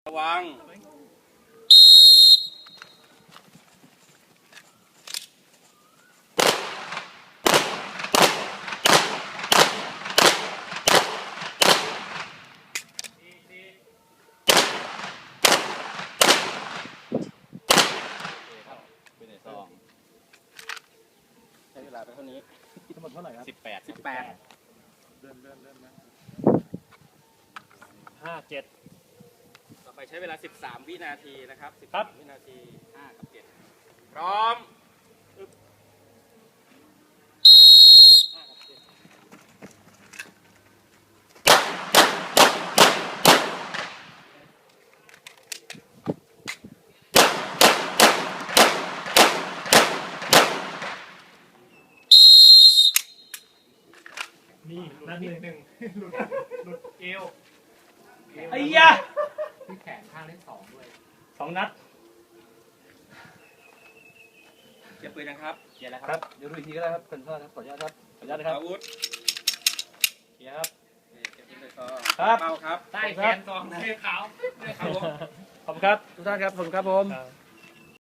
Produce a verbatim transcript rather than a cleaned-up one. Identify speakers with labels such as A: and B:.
A: ระวังใช้เวลาไปเท่านี้ทั้งหมดเท่าไหร่ครับสิบแปดสิบแปดเริ่มเริ่มเริ่มนะห้าเจ็ดต่อไปใช้เวลาสิบสามวินาทีนะครับสิบสามวินาทีห้ากับเจ็ดพร้อมห้ากับเจ็ด
B: นี่นัดที่หนึ่งหลุดหลุดเอว
A: ไอ้ยะ
B: ที่แขนข้างเล่นสองด้วย
A: สองนัดเก็บปืนนะครับเก็บแล้วครับ
C: ครับเดี๋ยวดูอีกทีก็ได้ครับขออนุญาตครับขออนุญาตครับขออนุญาตนะครับ
A: อาวุธ
C: เกียร์ครับ
A: เก็บปืนเลยก็
C: ครับ
A: เป้าครับ
B: ใต้แขนสองเสื้อขาวเสื้อขาว
C: ขอบคุณครับทุกท่านครับขอบคุณครับผม
B: ครับ